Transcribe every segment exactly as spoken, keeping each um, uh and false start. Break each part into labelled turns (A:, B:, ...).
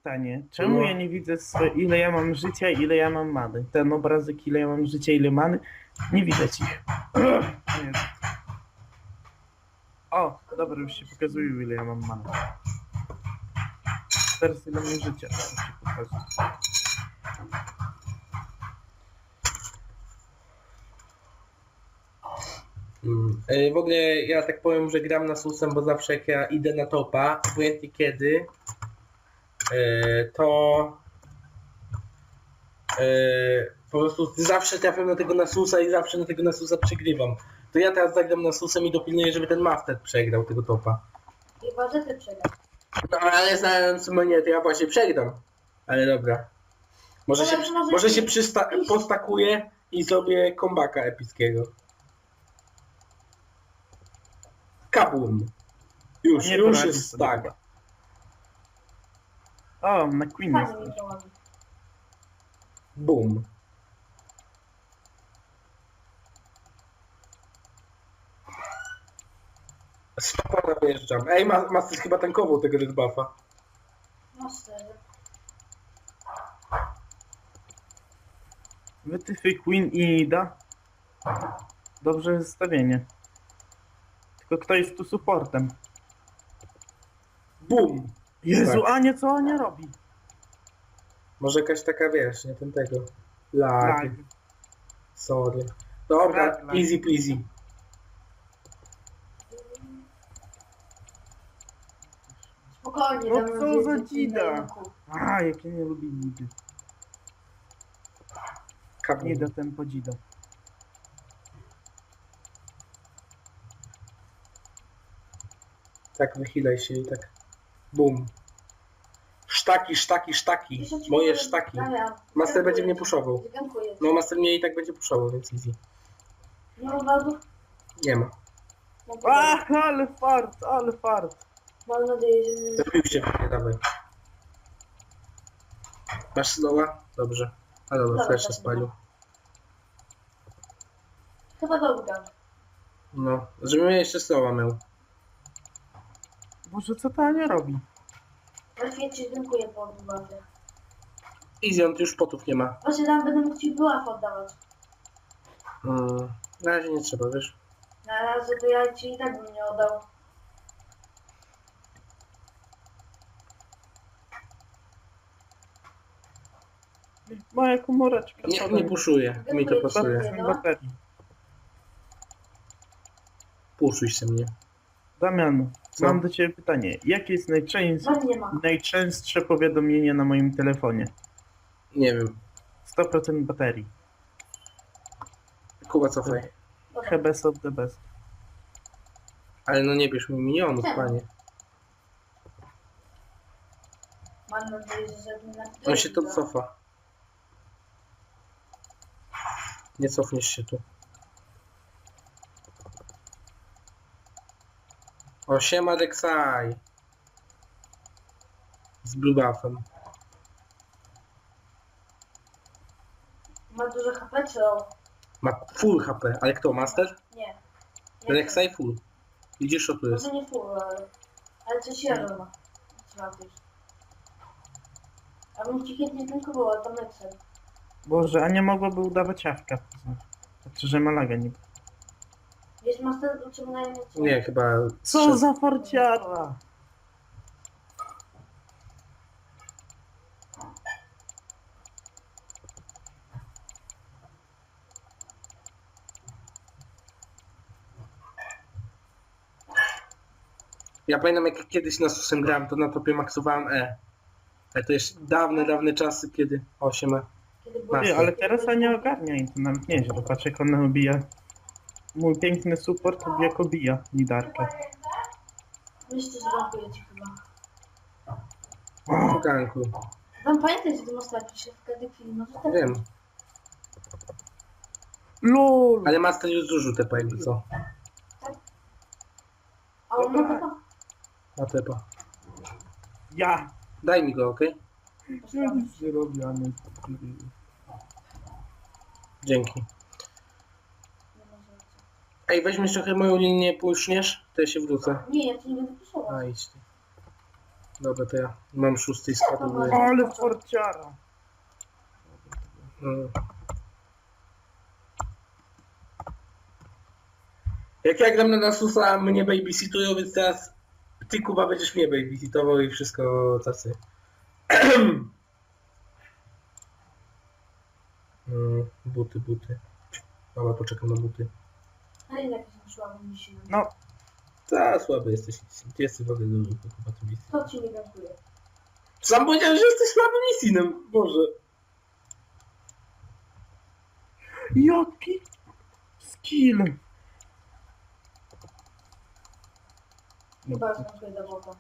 A: pytanie. Czemu
B: No.
A: ja nie widzę, swe- ile ja mam życia, ile ja mam many? Ten obrazek, ile ja mam życia, ile many, nie widać ich. Nie. O, dobra, już się pokazuje, ile ja mam many. Teraz ile mam życia. Już się pokazuje.
B: Mm. E, W ogóle ja tak powiem, że gram na susem, bo zawsze jak ja idę na topa, obojętnie kiedy, e, to e, po prostu zawsze trafiam na tego Nasusa i zawsze na tego Nasusa przegrywam. To ja teraz zagram Nasusem i dopilnuję, żeby ten Master przegrał tego topa.
C: Chyba, że ty przegrasz.
B: No ale znając mnie, to ja właśnie przegram. Ale dobra. Może się,
C: Ale może
B: może
C: nie.
B: się przysta- postakuję i zrobię kombaka epickiego. Kabum. Już,
A: Nie
B: już
A: poradzi
B: jest
A: sobie
B: tak.
A: chyba. O, na Queen
C: Fajnie
A: jest.
C: mi to ładnie.
B: Bum. Stopa najeżdżam. Ej, Ma- Master chyba tankował tego Red Buffa.
C: No szczerze.
A: Wytyfy Queen i Ida. Dobrze zestawienie. Tylko kto jest tu supportem?
B: Bum.
A: Jezu,
B: Tak.
A: Ania, co Ania robi?
B: Może jakaś taka, wiesz, nie ten tego. Lag.
A: Tak.
B: Sorry. Dobra,
A: Lag, lag.
B: easy peasy.
C: Spokojnie,
A: No
C: dam
A: co
C: nadzieję,
A: za
C: że ci
A: dzida?
C: daję na kół.
A: A, jak ja nie lubię Idy.
B: Kabum.
A: Nie da ten podzida.
B: Tak, wychylaj się i tak. Bum. Sztaki, sztaki, sztaki.
C: Wiesz, o czym
B: Moje
C: mówię?
B: sztaki.
C: Damian,
B: Master będzie
C: dziękuję
B: mnie
C: ci.
B: puszował.
C: Dziękuję ci.
B: No, Master mnie i tak będzie puszował, więc easy.
C: Nie ma wadów?
B: Nie ma.
C: Mam
A: A,
C: nadzieję-
A: ale fart, ale fart.
C: Mam nadzieję, że...
B: Zabił się mnie, dawaj. Masz slowa? Dobrze. A dobra,
C: Dobra,
B: flash się
C: tak,
B: spalił.
C: Chyba dobra.
B: No, żebym ja jeszcze slowa miał.
A: Boże, co ta Ania robi?
C: Właśnie ci dziękuję po odwadzie.
B: Easy, on tu już potów nie ma.
C: Właśnie tam będę mógł ci buław oddawać.
B: Mm, na razie nie trzeba, wiesz.
C: Na razie to ja ci i tak bym nie oddał.
A: Moja komóreczka.
B: Nie,
A: spadła.
B: nie puszuję. Mi to pasuje.
A: Spadła mi baterii.
B: Puszuj się mnie.
A: Damian,
B: Co?
A: mam do ciebie pytanie. Jakie jest najczęstsze,
C: Was nie ma.
A: najczęstsze powiadomienie na moim telefonie?
B: Nie wiem.
A: sto procent baterii.
B: Kuba, cofaj.
C: Dobra.
A: The best of the best.
B: Ale no nie bierz mi minionów,
C: Czemu?
B: panie.
C: Mam nadzieję, że nie na
B: On się to cofa. Nie cofniesz się tu. O, siema Dexaj. Z blue buffem.
C: Ma dużo H P czy o?
B: Ma full H P, ale kto? Master?
C: Nie. Nie
B: Dexaj full. Widzisz, co tu jest?
C: Może nie full, ale... Ale coś jeden ma. Trzeba też. A bym ci chętnie dziękowała, to Nexel.
A: Boże, a nie mogłaby udawać jawka. Znaczy, że ma laga nie.
C: Jest master uciągnąłem Nexel.
B: Nie, chyba...
A: Co za farciara!
B: Ja pamiętam, jak kiedyś na susem grałem, to na topie maksowałem E. Ale to jeszcze dawne, dawne czasy, kiedy... O, siema.
C: Kiedy
B: Master.
A: Ty, ale teraz nie ogarnia i to nawet nieźle. Patrz, jak ona obija. Mój piękny support jak obija lidarkę.
C: Myślę, że dziękuję ci chyba.
B: W ganku.
C: Wam pamiętaj, że ty masz taki się w każdej chwili może tak.
B: Wiem.
A: LOL!
B: Ale Master już zużył te jakby co.
C: A on ma taka?
B: Na tepa.
A: Ja!
B: Daj mi go, okej?
A: Ja nic nie robię, a nie...
B: Dzięki. Ej, weźmiesz trochę moją linię, puszniesz, to ja się wrócę.
C: Nie, ja ci nie będę puszował.
B: A, idź ty. Dobra, to ja mam szósty i spadł.
A: Ale forciara.
B: Mm. Jak ja gram na Nasusa, mnie babysitują, więc teraz ty, Kuba, będziesz mnie babysitował i wszystko tacy. mm, buty, buty. Dobra, poczekam na buty.
C: Ale jak się szła, mi się.
A: No,
B: Ta, słaby jesteś. Ty jesteś w ogóle dużo, Kuba, ty misji.
C: To ci nie gratuluję.
B: Sam powiedziałem, że jesteś słabym misinem. Boże.
A: jaki skill.
C: Chyba znowu do wody.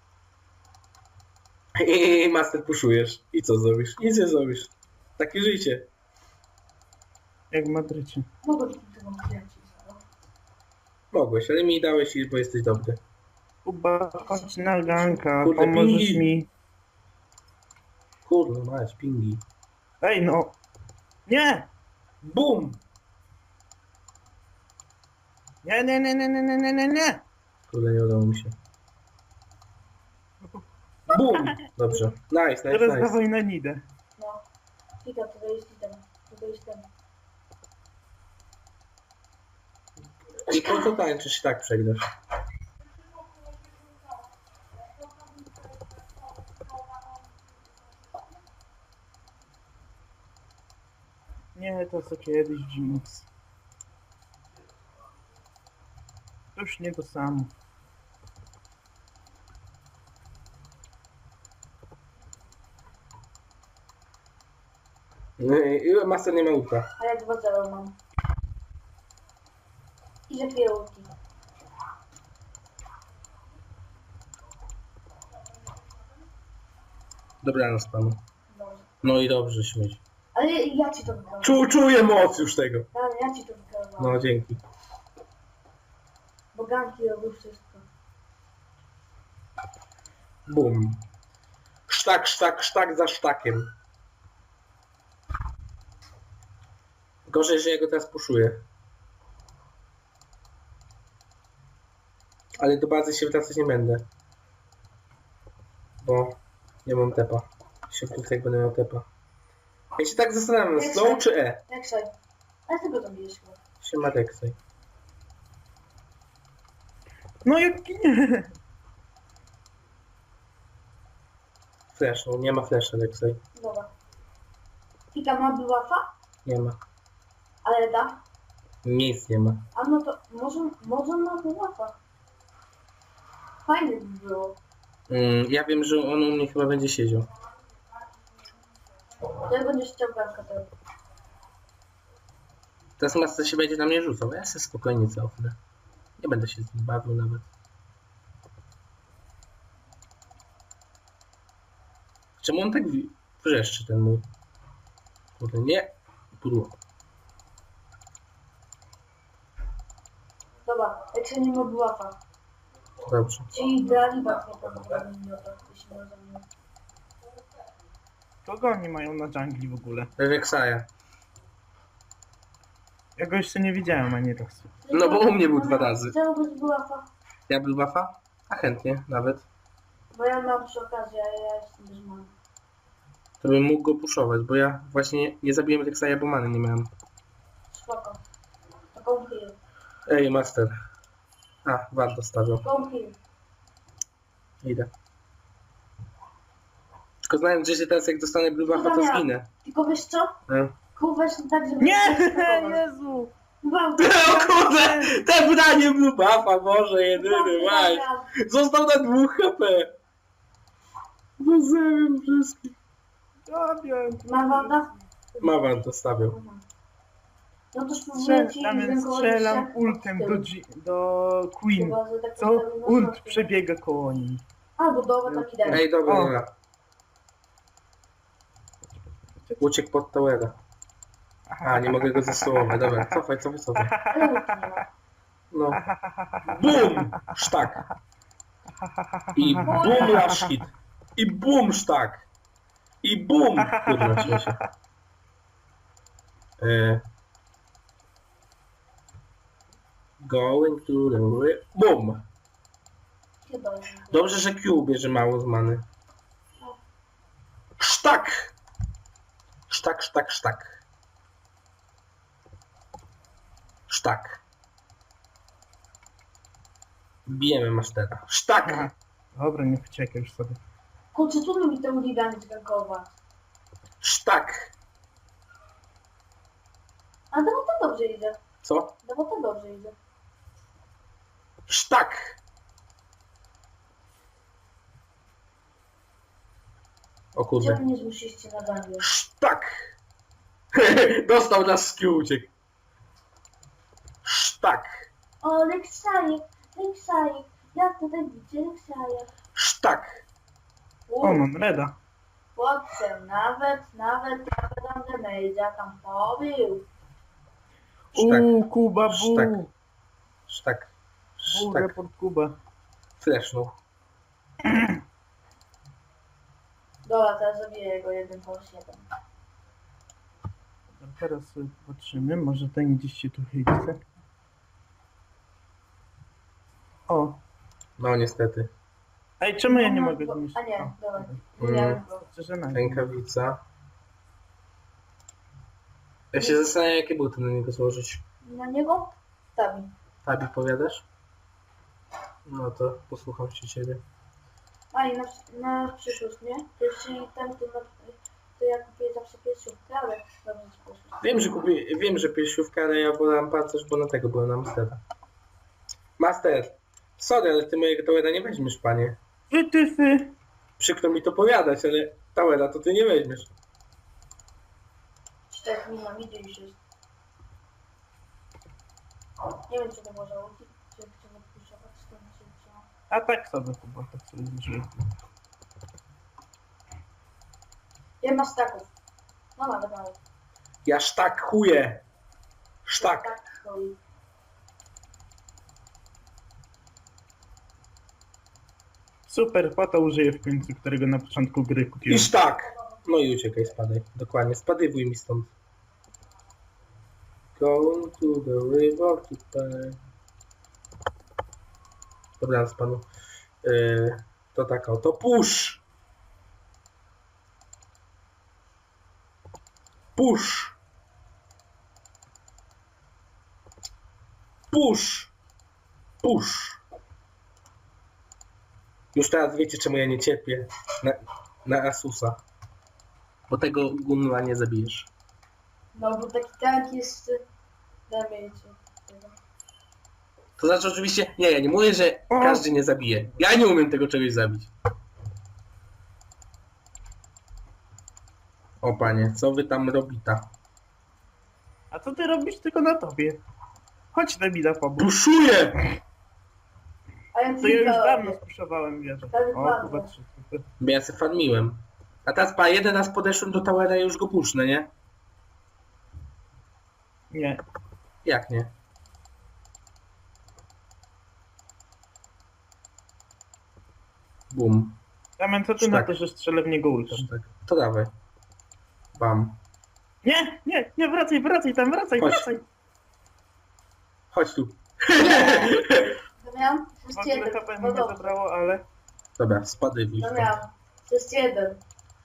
B: I master puszujesz. I co zrobisz? Nic nie zrobisz. Takie życie.
A: Jak w Madrycie.
C: Mogę ci tego kręcić.
B: Mogłeś, ale mi dałeś iść, bo jesteś dobry.
A: Kuba, chodź na ganka,
B: Kurde,
A: pomożesz
B: pingi.
A: mi.
B: Kurde, masz pingi.
A: Ej no. Nie!
B: Bum!
A: Nie, nie, nie, nie, nie, nie, nie, nie, nie.
B: Kurde, nie udało mi się. Bum! Dobrze. Nice, nice,
A: Teraz
B: nice.
A: dawaj na nidę.
C: No. Kika, to jest ten. To jest ten.
B: I po co tańczysz i tak przegrasz?
A: Nie, to co kiedyś Jinx. To już nie to samo.
B: No i master nie ma ulta.
C: A jak dwa zero mam. I że dwie ulti.
B: Dobranoc panu.
C: Dobrze.
B: No i dobrze, śmieć.
C: Ale ja ci to wygrałem.
B: Czu, czuję moc już tego.
C: Ale ja ci to wygrałem.
B: No, dzięki.
C: Bo ganki robią wszystko.
B: Bum. Sztak, sztak, sztak za sztakiem. Gorzej, że ja go teraz puszuję. Ale do bazy się wracać nie będę. Bo nie mam tepa. Się wkrótce jak będę miał tepa. Ja się tak zastanawiam,
C: Jak
B: slow
C: się-
B: czy E?
C: Jak sobie? Ale ty go tam bijesz chyba.
B: Się ma Rexaj.
A: No jak nie.
B: Flash, no nie ma flasha Rexaj.
C: Dobra. Kika ma blufa,
B: Nie ma.
C: ale da.
B: Nic nie ma.
C: A no to może, może ma blufa. Fajnie by było.
B: Mm, ja wiem, że on u mnie chyba będzie siedział.
C: To jak będziesz chciał ganka, to...
B: Teraz master się będzie na mnie rzucał. Ja sobie spokojnie cofnę. Nie będę się z nim bawił nawet. Czemu on tak wi- wrzeszczy ten mój? Kurde, nie. Pudło.
C: Dobra, jak się nie ma blufa.
B: Dobrze.
C: Czyli Dalibat nie prawdopodobnie miota, jeśli nie rozumiem.
A: Kogo oni mają na dżungli w ogóle?
B: Rexaja.
A: Ja go jeszcze nie widziałem ani razu.
B: No bo u mnie był dwa razy.
C: Chciałbyś blufa,
B: Ja był buffa? A chętnie nawet.
C: bo ja mam przy okazji, a ja jestem bez mamy.
B: To bym mógł go puszować, bo ja właśnie nie, nie zabiłem Rexaja, bo many nie miałem.
C: Spoko. To come heal.
B: Ej, master. A, wart dostawiał.
C: Come heal.
B: Idę. Tylko znając, że się teraz jak dostanę blue buffa, to zginę.
C: Tylko wiesz co?
B: E.
C: Kuwasz tak, żeby...
A: Nie! Jezu!
C: Wow,
B: O kurde! Te branie blue buffa, Boże, jedyny, maj. Został na dwóch H P. Pozdrawiam wszystkich.
A: Zabiłem.
C: Ma wada?
B: Ma wart dostawiał.
C: No to spróbuję
A: Strzel,
C: ci
A: tam
C: rękować
A: strzelam
C: jak
A: ultem
C: tył.
A: do, G- do Queen.
C: Chyba, że tak
A: Co?
C: postawię na
A: Ult
C: środku.
A: przebiega koło niej.
C: Albo dobra, taki daj.
B: Ej, dobra,
A: O.
B: dobra. Uciekł pod towera. A, nie mogę go zastołować. Dobra, cofaj, cofaj, cofaj.
C: Ale ulti nie ma.
B: No. Bum! Sztak. I bum rush hit. I bum sztak. I bum! Kurwa, śmieję się. E... Going to the... ri- Bum!
C: Chyba nie.
B: Dobrze, że Q bierze mało z many. Sztak! Sztak, sztak, sztak. Sztak. Bijemy mastera. Sztak!
A: Aha. Dobra, nie uciekaj już sobie.
C: Kurczę, trudno mi temu ligami zgankować.
B: Sztak!
C: A no to dobrze idzie.
B: Co?
C: No bo to dobrze idzie.
B: Sztak! O kurde.
C: Czemu nie zmusiliście na gangie?
B: Sztak! Dostał nas z Q, uciekł. Sztak!
C: O, Leksajek, Leksajek. Jak tutaj widzicie Leksajek?
B: Sztak!
A: O, mam reda.
C: Chłopcze, nawet, nawet, nawet tam damage'a tam pobił.
B: Sztak!
A: Uuu, Kuba, bu.
B: Sztak. Sztak!
A: Bu,
B: Sztak!
A: report Kuba.
B: Flashnął.
C: Dobra, teraz zabiję go jeden po siedem.
A: A teraz sobie patrzymy, może ten gdzieś się tu chce. O,
B: No niestety.
A: ej, czemu ja nie
C: No,
A: mogę
C: bo-
A: zniszczyć?
C: A nie,
A: O,
C: dobra.
B: Mm.
C: Miałem go.
A: Szczerze na
B: Rękawica. Ja się zastanawiam, jakie buty na niego złożyć.
C: Na niego? Stawi.
B: Tabi, powiadasz? No to posłucham się ciebie.
C: A i na, na przyszłość, nie? Jeśli ten, to, na, to ja kupię zawsze piersiówkę, ale dobrze ci poszło.
B: Wiem, że kupi, wiem, że piersiówka, ale ja wolałem pancerz, bo na tego byłem na Mastera. Master! Sorry, ale ty mojego towera nie weźmiesz, panie.
A: Ty, ty, ty.
B: Przykro mi to powiadać, ale towera to ty nie weźmiesz.
C: Czterech nie mam, idzie już jest. Nie wiem, czy to może uczyć, czy chcę odpuszczać, czy to nie się wzięło.
A: A tak sobie Kuba, tak sobie zniszczyłem.
C: Ile masz staków? No nawet mało.
B: Ja sztak chuję! Sztak!
C: Tak, stoi.
A: Super, po to użyję w końcu, którego na początku gry
B: I
A: kupiłem.
B: sztak! No i uciekaj, spadaj. Dokładnie, spadywuj mi stąd. Going to the river to pay. Dobra, panu. Yy, to tak oto. Push! Push! Push! Push! Już teraz wiecie, czemu ja nie cierpię na, na Asusa. Bo tego gunla nie zabijesz.
C: No bo taki tank jest... Damage.
B: To znaczy oczywiście, nie, ja nie mówię, że
A: O!
B: każdy nie zabije. Ja nie umiem tego czegoś zabić. O panie, co wy tam robita?
A: A co ty robisz tylko na tobie? Chodź na mida pomóc.
B: Puszuję!
C: A ja
A: To ja już
C: tylko-
A: dawno spuszowałem wieżę.
C: Tak,
A: O,
C: dokładnie.
A: Kuba trzy. Super.
B: Bo ja se farmiłem. A teraz pa, jeden raz podeszłem do towera i już go pusznę, nie?
A: Nie.
B: Jak nie? Bum.
A: Damian, co ty na
B: Tak.
A: to, że strzelę w niego ultem?
B: Tak. To dawaj. Bam.
A: Nie, nie, nie, wracaj, wracaj tam, wracaj,
B: Chodź.
A: wracaj.
B: Chodź tu.
C: Damian, to
A: W
C: jest
A: ogóle
C: jeden.
A: H P mi
C: No
A: nie
C: dobrze.
A: zabrało, ale...
B: Dobra, spadaj w
C: Damian, to jest jeden.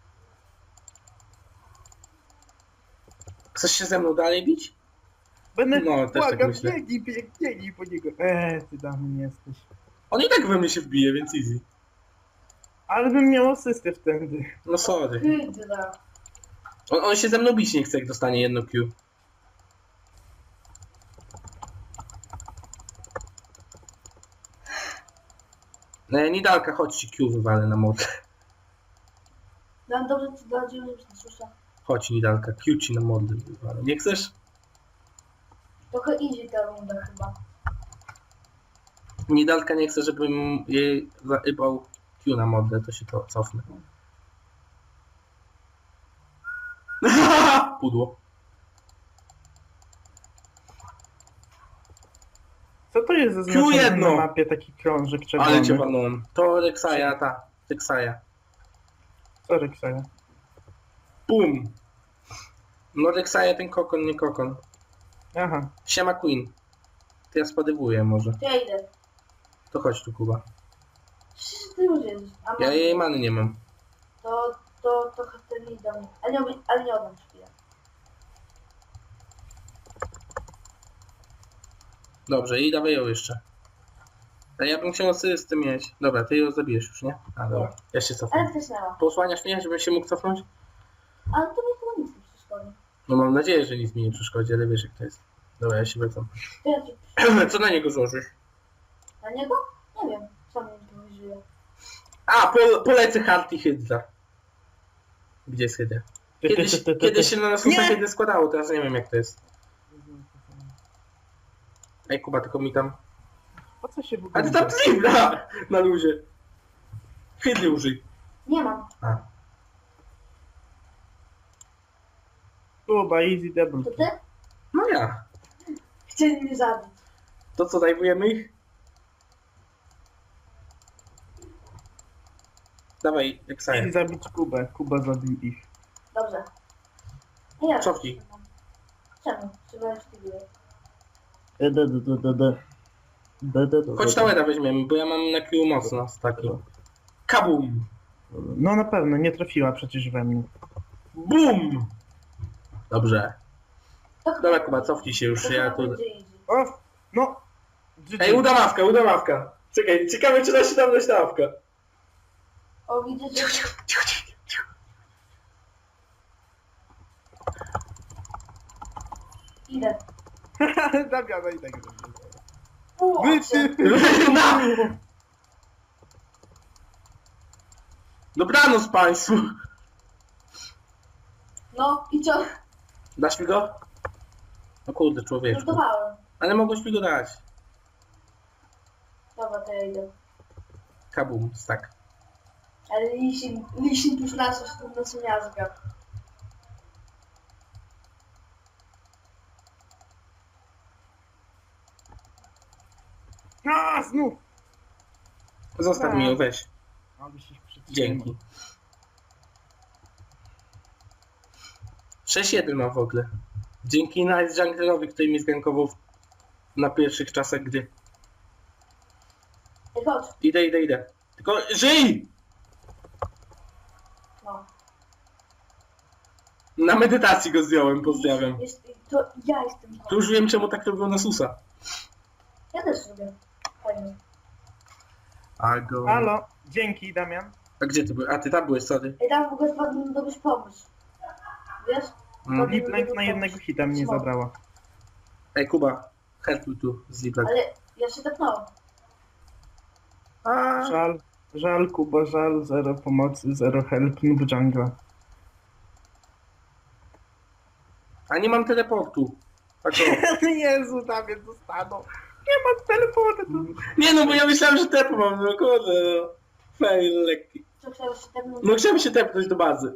B: Chcesz się ze mną dalej bić?
A: Będę...
B: No, też tak
A: Błagam,
B: myślę.
A: biegnij, biegnij, biegnij po niego. Eee, ty Damian jesteś.
B: On i tak we mnie się wbije, więc easy.
A: Ale bym miał asystę wtedy.
B: No sorry.
C: Hydra.
B: On, on się ze mną bić nie chce, jak dostanie jedno Q. No, Nidalka, chodź ci Q wywalę na modlę.
C: Dam dobrze ci bardziej już nie słyszę.
B: Chodź Nidalka, Q ci na modlę wywalę. Nie chcesz?
C: Trochę easy ta runda chyba.
B: Nidalka nie chce, żebym jej zaybał Q na modlę, to się to cofnę. Pudło.
A: Co to jest zaznaczone
B: jedno.
A: na mapie taki krążek czerwony?
B: Ale cię walnąłem. To Reksaja, ta. Reksaja.
A: Co Reksaja?
B: Bum. No Reksaja ten kokon, nie kokon.
A: Aha.
B: Siema Queen. To ja spadywuję może.
C: Ja idę.
B: To chodź tu, Kuba.
C: Przecież ty już jedziesz. A
B: Ja
C: mam-
B: jej many nie mam.
C: To, to, to wtedy nie dam. Ale nie, ale nie oddam chwilę.
B: Dobrze, i dawaj ją jeszcze. Ale ja bym chciał asystę mieć. Dobra, ty ją zabijesz już, nie? A dobra, ja się cofam.
C: Ale wcisnęła.
B: Posłaniasz mnie, żebym się mógł cofnąć?
C: Ale to mi chyba nic nie przeszkodzi.
B: No mam nadzieję, że nic mi nie przeszkodzi, ale wiesz jak to jest. Dobra, ja się wracam.
C: To ja ci
B: Co na niego złożysz?
C: Na niego? Nie wiem. Sam nie wyżyję.
B: A, po, polecę Hard i Hydra. Gdzie jest Hydra? Kiedyś, kiedyś się na nas
A: Nie!
B: Hydra składało, teraz nie wiem jak to jest. Ej Kuba, tylko mi tam...
A: Po co się w
B: A
A: ogóle...
B: ty tam Hydra! Na luzie. Hydry użyj.
C: Nie mam.
B: A.
A: Kuba, easy double.
C: To ty?
B: No ja.
C: Chcieli mnie zabić.
B: To co, dajwujemy ich? Dawaj,
A: Chcieli
B: Exile.
A: zabić Kubę. Kuba zabił ich.
C: Dobrze. Nie ja.
B: Cofnij.
C: Czemu? Trzeba już tydzień.
A: E, da, da, da, da, da. Da, da, da,
B: Chodź
A: da, da.
B: Towera weźmiemy, bo ja mam na Q mocno z takim. Kabum!
A: No na pewno, nie trafiła przecież we mnie.
B: Bum! Dobrze.
C: To
B: Dobra Kuba, cofnij się już,
C: to
B: ja
C: chyba
B: tu...
C: będzie easy.
A: O! No!
B: Ej, udawawka, udawawka! Czekaj, ciekawe czy da się tam dać dawka.
C: O, widzę, że...
B: Cicho, cicho, cicho, cicho.
C: Idę.
A: Damiana i tak.
C: O,
A: Wy ty!
B: Na! Dobranoc państwu!
C: No i co?
B: Dasz mi go? No kurde, człowieczku.
C: Żartowałem.
B: Ale mogłeś mi go dać.
C: Dobra, to ja idę.
B: Kabum, tak.
C: Ale lisin, lisin już nas, nas miazga.
A: A, znów!
B: Zostaw mi ją, weź.
A: Ale się przytrzymał.
B: Dzięki. sześć jeden mam w ogóle. Dzięki Nice Junglerowi, który mi zgankował w- na pierwszych czasach gdy.
C: Ej, chodź.
B: Idę, idę, idę. Tylko żyj!
C: No.
B: Na medytacji go zdjąłem, pozdrawiam.
C: Jest, to ja jestem.
B: Tu już wiem czemu tak robią na Susa.
C: Ja też lubię. Fajnie.
B: A go...
A: Halo, dzięki Damian.
B: A gdzie ty byłeś? A ty tam byłeś, sorry.
C: Ej, tam w ogóle wpadł dobry pomysł. Wiesz?
B: Mm.
A: Liplank na jednego hita mnie
C: Smok.
A: zabrała.
B: Ej Kuba, helpuj tu z Liplek.
C: Ale ja się tepnąłem.
B: A,
A: Żal, żal Kuba, żal, zero pomocy, zero help, noob jungla.
B: a nie mam teleportu. Tak o.
A: Jezu, Damian zostaną. Nie mam teleportu.
B: Nie no, bo ja myślałem, że tepu mam, no kurde, no. Fail lekki.
C: Co chciałeś się tepnąć?
B: No chciałem się tepnąć do bazy.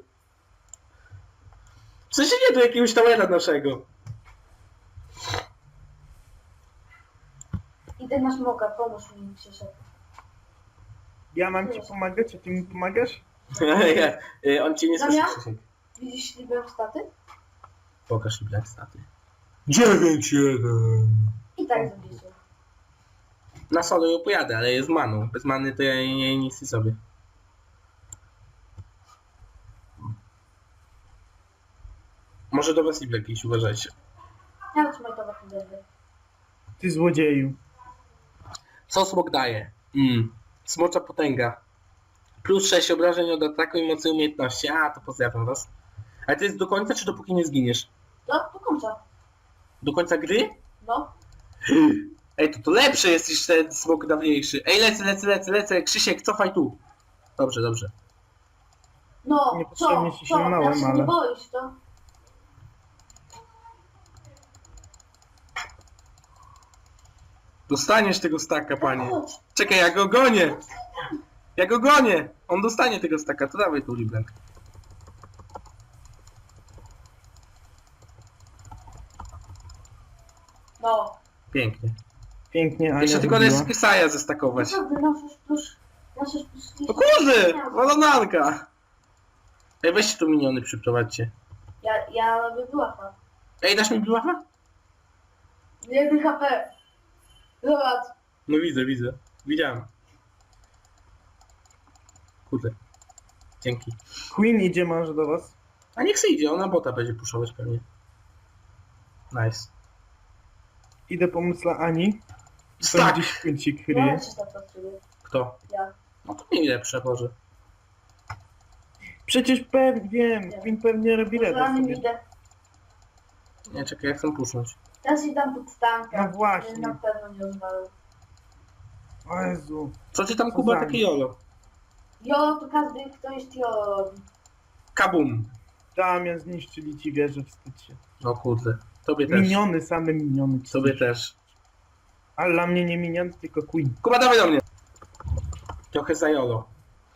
B: W sensie nie do jakiegoś towera naszego.
C: Idę na smoka, pomóż mi Krzysiek.
A: Ja mam ci pomagać, a ty mi pomagasz?
B: Ja, y, on cię nie słyszy,
C: Damian?
B: Krzysiek.
C: Widzisz liber staty?
B: Pokaż mi black staty. dziewięć jeden.
C: I tak zabijcie.
B: Na solo ją pojadę, ale jest maną. Bez many to ja nie, nie nic nie sobie. Może do was Liblek jakieś, uważajcie.
C: Ja bym smajtować nie będę.
A: Ty złodzieju.
B: Co smok daje? Mm. Smocza potęga. Plus sześć obrażeń od ataku i mocy umiejętności. A, to pozdrawiam was. Ale to jest do końca, czy dopóki nie zginiesz?
C: No, do końca.
B: Do końca gry?
C: No.
B: Ej, to to lepsze jest niż ten smok dawniejszy. Ej, lecę, lecę, lecę, lecę. Krzysiek, cofaj tu. Dobrze, dobrze.
C: No, co?
A: Niepotrzebnie się
C: Co?
A: śmiałem,
C: Ja się
A: ale-
C: nie boisz, to?
B: Dostaniesz tego staka, panie.
C: Chodź.
B: Czekaj, ja go gonię. Ja go gonię. On dostanie tego staka. To dawaj tu, Liblek.
C: No.
B: Pięknie.
A: Pięknie, Ania
B: Jeszcze tylko
A: zrobiła.
B: jest Kesaja zestakować.
C: Naprawdę, nasz już plus... Nasz już plus...
B: O kurde! Walonanka! Ej, weźcie tu miniony, przyprowadźcie.
C: Ja, ja robię błafa.
B: Ej, dasz mi blufa?
C: jeden H P. Zobacz.
B: No widzę, widzę. Widziałem. kurde. Dzięki.
A: Queen idzie może do was.
B: A niech se idzie, ona bota będzie puszować pewnie. Nice.
A: Idę pomóc dla Ani. Tam
B: Tak!
A: gdzieś Queencik
C: Ja
A: kryje.
C: się tak pracuję.
B: Kto?
C: Ja.
B: No to nie lepsze, Boże.
A: Przecież pewnie, wiem, Queen pewnie robi
C: Może
A: radę
C: na nim
A: sobie.
C: idę.
B: Nie, czekaj, ja chcę pusznąć.
C: Ja się dam pod stankę.
A: No właśnie.
C: Na pewno nie rozwalę.
A: O Jezu.
B: Co ty tam,
A: Co
B: Kuba,
A: za
B: takie
A: nic.
B: jolo?
C: Jo, to każdy, kto jest jo robi.
B: Kabum!
A: Damian, zniszczyli ci wieżę, wstydź się.
B: O kurde. Tobie też.
A: Miniony, same miniony. ci
B: Tobie
A: zniszczą.
B: też.
A: Ale dla mnie nie miniony, tylko Queen.
B: Kuba, dawaj do mnie! Trochę za jolo.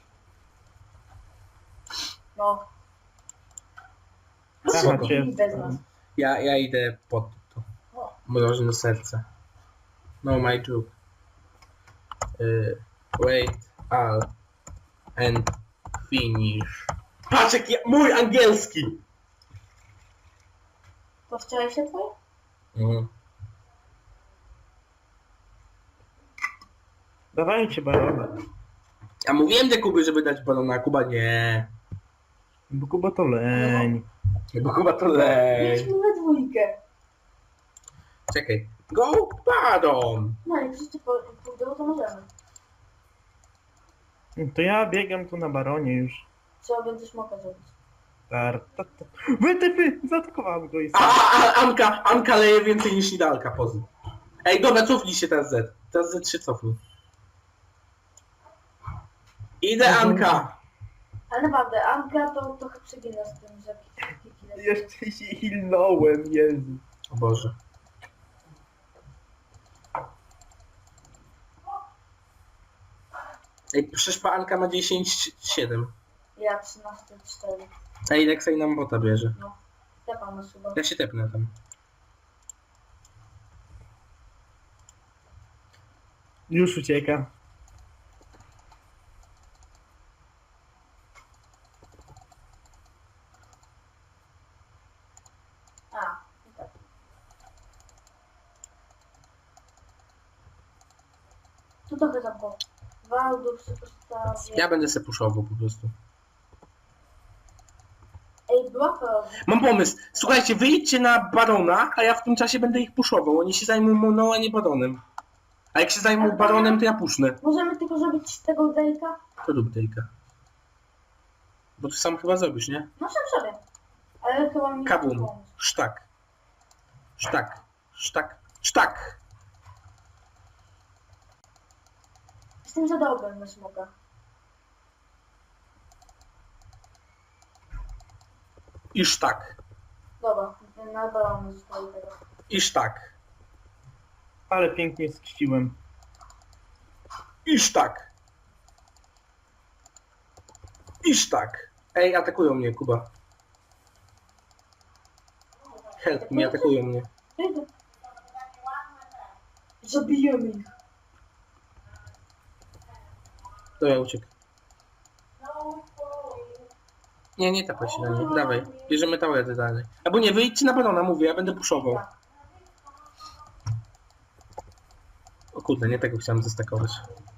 C: No.
B: No
A: Aha,
B: spoko.
A: cię.
C: I bez nas.
B: Ja, ja idę pod to.
C: O.
B: Mroźne serce. No my joke. Y, wait, all. And finish. Patrz jaki ja, mój angielski!
C: To wczoraj się twoje?
B: Mhm.
A: Dawajcie barona.
B: Ja mówiłem do Kuby, żeby dać balona, a Kuba nie.
A: Bo Kuba to leń.
B: Bo Kuba to lej.
C: Mieliśmy we dwójkę.
B: Czekaj. Go balon!
C: No jak wszyscy po- pójdą, to możemy.
A: To ja biegam tu na baronie już.
C: Trzeba będzie smoka zrobić.
A: Tar, ta, ta. Wytyfy! Zaatakowałem go i
B: A,
A: sam.
B: a, a Anka, Anka leje więcej niż Nidalka, pozy. Ej, dobra, cofnij się teraz Z. Teraz Z trzy cofnij. Idę, Anka!
C: Ale naprawdę, Anka to trochę przegina z tym, że kiki lecą.
A: Jeszcze się hilnąłem, Jezu.
B: O Boże. Ej, przecież pa Anka ma dziesięć siedem.
C: Ja trzynaście cztery.
B: Ej, Lexej nam bota bierze.
C: No. Tepa na suba.
B: Ja się tepnę tam.
A: Już ucieka.
C: A, i tak. Tu trochę tam go. Waldów sobie postawię.
B: Ja będę se puszował po prostu.
C: Ej, była to.
B: Mam pomysł. Słuchajcie, wyjdźcie na barona, a ja w tym czasie będę ich puszował. Oni się zajmą moną, a nie baronem. A jak się zajmą baronem, to ja pusznę.
C: Możemy tylko zrobić z tego Drake'a?
B: To rób Dejka. Bo ty sam chyba zrobisz, nie?
C: No sam sobie. Ale chyba mi nie
B: Kabum.
C: pomóc.
B: Sztak. Sztak. Sztak. Sztak.
C: Jestem za dobrym na smoka.
B: I sztak.
C: Dobra, na balony zostali teraz.
B: I sztak.
A: Ale pięknie skściłem.
B: I sztak. I sztak. Ej, atakują mnie, Kuba. Help mnie, atakują mnie.
C: Idę. Zabijemy ich.
B: Dobra, uciekł. Nie, nie tapaj się na nie. Dawaj. Bierzemy tałety dalej. Albo nie, wyjdźcie na barona, mówię, ja będę puszował. O kurde, nie tego chciałem zestakować.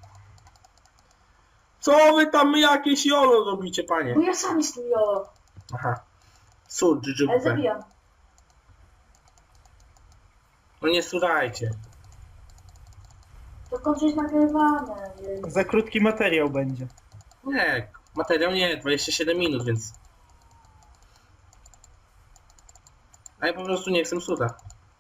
B: Co wy tam jakieś jolo robicie, panie?
C: Bo ja sam jestem jolo.
B: Aha. Sur,
C: Ale
B: dżdżubę.
C: zabijam.
B: No nie surajcie.
C: To kończy jest nagrywane. więc-
A: Za krótki materiał będzie.
B: Nie, materiał nie, dwadzieścia siedem minut, więc... A ja po prostu nie chcę suda.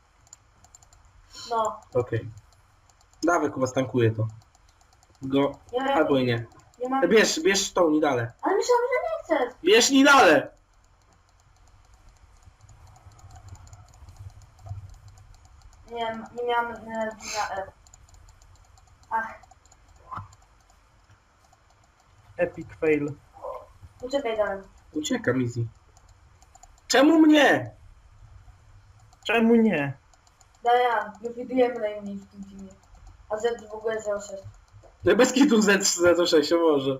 C: No.
B: Okej. Dawaj, Kuba, stankuję to. Go...
C: Ja,
B: Albo i nie.
C: ja mam...
B: Bierz, bierz tą Nidalę.
C: Ale myślałem, że nie chcesz.
B: Bierz Nidalę!
C: Nie, nie miałam energii na E. Ach,
A: Epic fail.
C: uciekaj dalej.
B: Uciekam, easy. Czemu mnie?
A: Czemu nie?
C: Dajan, my widujemy najmniej w tym filmie. A Z w ogóle zero sześć.
B: No bez kitu Z zero sześć, o może.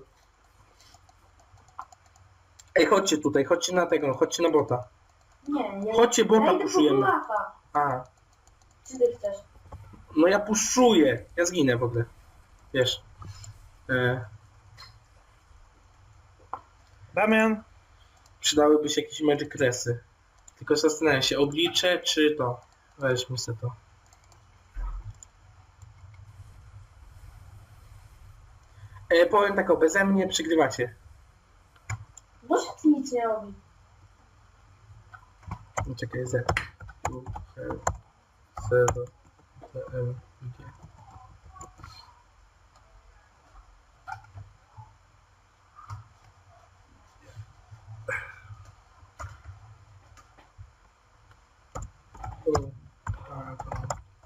B: Ej, chodźcie tutaj, chodźcie na tego, chodźcie na bota.
C: Nie, ja...
B: Chodźcie, bota
C: ja idę po
B: puszujemy.
C: Bulafa.
B: A,
C: Czy ty chcesz?
B: no ja puszuję. Ja zginę w ogóle. Wiesz. E...
A: Damian,
B: Przydałyby się jakieś magic kresy. Tylko zastanawiam się, oblicze czy to? Weźmy sobie to. E, powiem tak, o, beze mnie przygrywacie.
C: Boże, ty nic nie robi.
B: No, czekaj, Z. U, L, zero, T, L, G. U, A, to.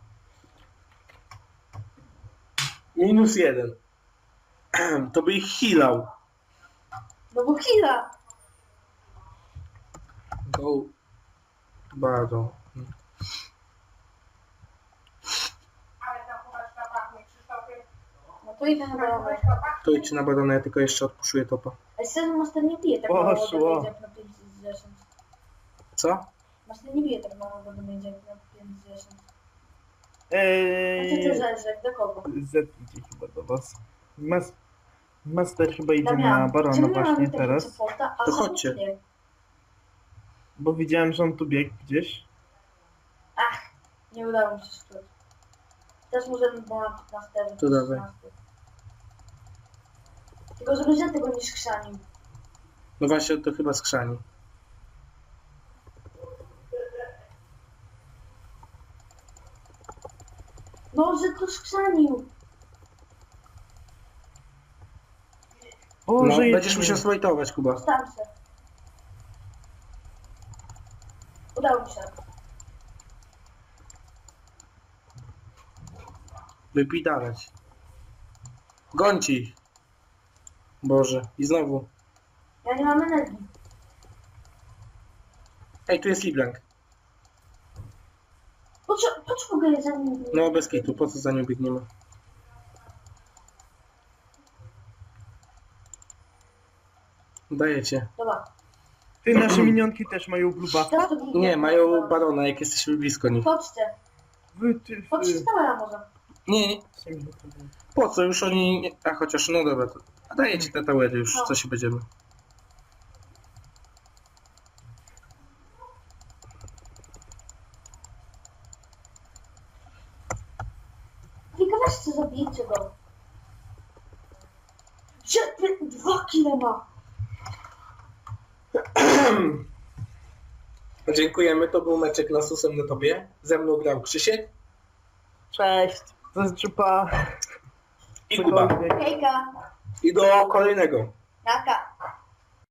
B: Minus jeden. To by ich healał.
C: No bo chwila.
B: Go. Bardzo.
C: No to idę na balonę.
B: To idź na badane, ja tylko jeszcze odpuszuję topa.
C: A sen Master nie bije tak mało
A: Poszło.
C: do jak na pięć z dziesięć.
B: Co?
C: Master nie bije tak mało do jak na pięć z dziesięć. A ty
A: eee,
C: to żerzek, do kogo?
A: Z idzie chyba do was. Mas Master chyba idzie na
C: Damian,
A: Barona
C: czemu ja mam
A: właśnie
C: takie
A: teraz.
C: supporta, a
B: To
C: sam
B: chodźcie.
C: nie?
A: Bo widziałem, że on tu biegł gdzieś.
C: Ach, nie udało mi się szczuć. Też możemy było na piętnaście.
B: To dawaj.
C: Tylko żeby że tego nie skrzanił.
B: No właśnie, to chyba skrzani.
C: No, że to skrzanił.
B: No,
A: Boże,
B: będziesz
A: jedyny.
B: musiał slajtować, Kuba.
C: Staram się. Udało mi się.
B: Wypidalać. Gońci ich. Boże. I znowu.
C: Ja nie mam energii.
B: Ej, tu jest Liblank.
C: Po co, po co w ogóle za nim?
B: No, bez kitu. Po co za nią biegniemy? Dajecie.
C: Dobra.
A: Ty, nasze minionki też mają bluba.
C: Teraz to ginie.
B: Nie, mają barona, jak jesteśmy blisko nich.
C: Chodźcie.
A: Wy, ty,
C: Chodźcie
A: wy.
C: z towera może.
B: Nie, nie. Po co? Już oni... nie- A chociaż, no dobra. To... A dajecie te towery już, co się będziemy.
C: Tylko weźcie, zabijcie go. Że ty dwa kile ma.
B: Dziękujemy, to był meczek na susem na tobie. Ze mną grał Krzysiek
A: Cześć. To jest czupa.
B: i Kuba.
C: Hejka.
B: I do kolejnego.
C: Naka.